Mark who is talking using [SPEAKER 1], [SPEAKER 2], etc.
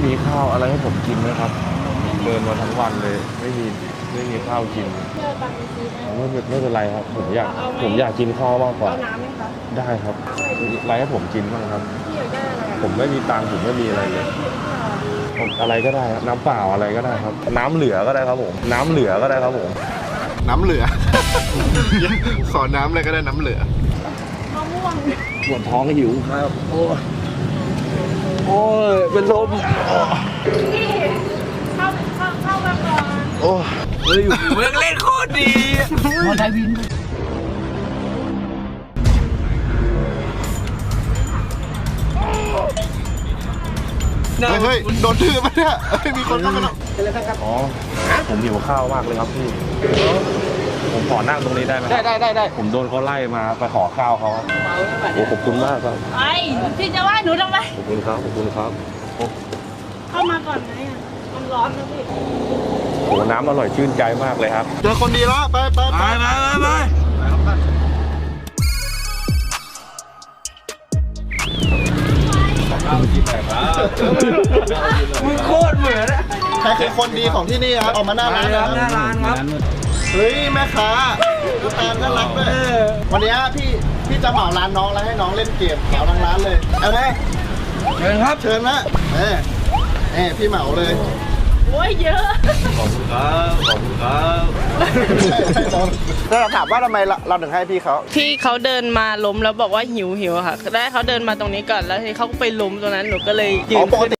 [SPEAKER 1] มีข้าวอะไรให้ผมกินไหมครับเดินมาทั้งวันเลยไม่มีข้าวกินไม่เป็นไรครับผมอยากกินข้าวมากกว่า
[SPEAKER 2] เอาน้ำไหมคะ
[SPEAKER 1] ได้ครับอะไรให้ผมกินบ้างครับ
[SPEAKER 2] พี่อยากได้อะไร
[SPEAKER 1] ผมไม่มีตังค์ผมไม่มีอะไรเลยผมอะไรก็ได้ครับน้ำเปล่าอะไรก็ได้ครับ น้ำเหลือก็ได้ครับผมน้ำเหลือก็ได้ครับผม
[SPEAKER 3] น้ำเหลือ ขอน้ำเลยก็ได้น้ำเหลือ
[SPEAKER 2] มะม่วง
[SPEAKER 1] ปวดท้องหิวครับโอ้ยเป็นลม
[SPEAKER 2] พี่เข้ามาก่อน
[SPEAKER 1] โอ้ย
[SPEAKER 4] เฮ้ยเมืองเล่นโคตรดีมอไซค์วิน
[SPEAKER 3] เฮ้ยโดนทืบปะเนี่ยเฮ้ยมีคนเข้ามาแล้ว
[SPEAKER 1] อ๋อผมหิวข้าวมากเลยครับพี่ผมขอนั่งตรงนี้ได้ไหมได้ผมโดนเขาไล่มาไปขอข้าวเขาโอ้ขอบคุณมากครับ
[SPEAKER 2] ไอ้พี่จะว่าหนูทำไม
[SPEAKER 1] ขอบคุณครับโอ้
[SPEAKER 2] เข้ามาก่อนไหมอ่ะมันร้อนนะพี่
[SPEAKER 1] โหน้ำอร่อยชื่นใจมากเลยครับ
[SPEAKER 3] เจอคนดีแล้วไป
[SPEAKER 4] มึงโคตรเหมือนอะ
[SPEAKER 3] ใครคือคนดีของที่นี่ครับออกมาหน้าร้าน
[SPEAKER 4] ครับหน้าร้านครับ
[SPEAKER 3] เฮ้ยแม่ค้าดูตามน่ารักด้วยวันนี้พี่จะเหมาร้านน้องแล้วให้น้องเล่นเกมเหมาทั้งร้านเลยเอาไหม
[SPEAKER 4] เชิญครับ
[SPEAKER 3] เชิญนะพี่เหมาเลย
[SPEAKER 2] โอ้ยเยอะ
[SPEAKER 1] ขอบคุณครับขอบคุณครับ
[SPEAKER 3] แล้วเราถามว่าทำไมเราถึงให้พี่เขา
[SPEAKER 2] พี่เขาเดินมาล้มแล้วบอกว่าหิวค่ะได้เขาเดินมาตรงนี้ก่อนแล้วทีเขาก็ไปล้มตรงนั้นหนูก็เลยยืน
[SPEAKER 3] ปก
[SPEAKER 2] ขึ้น
[SPEAKER 3] ติ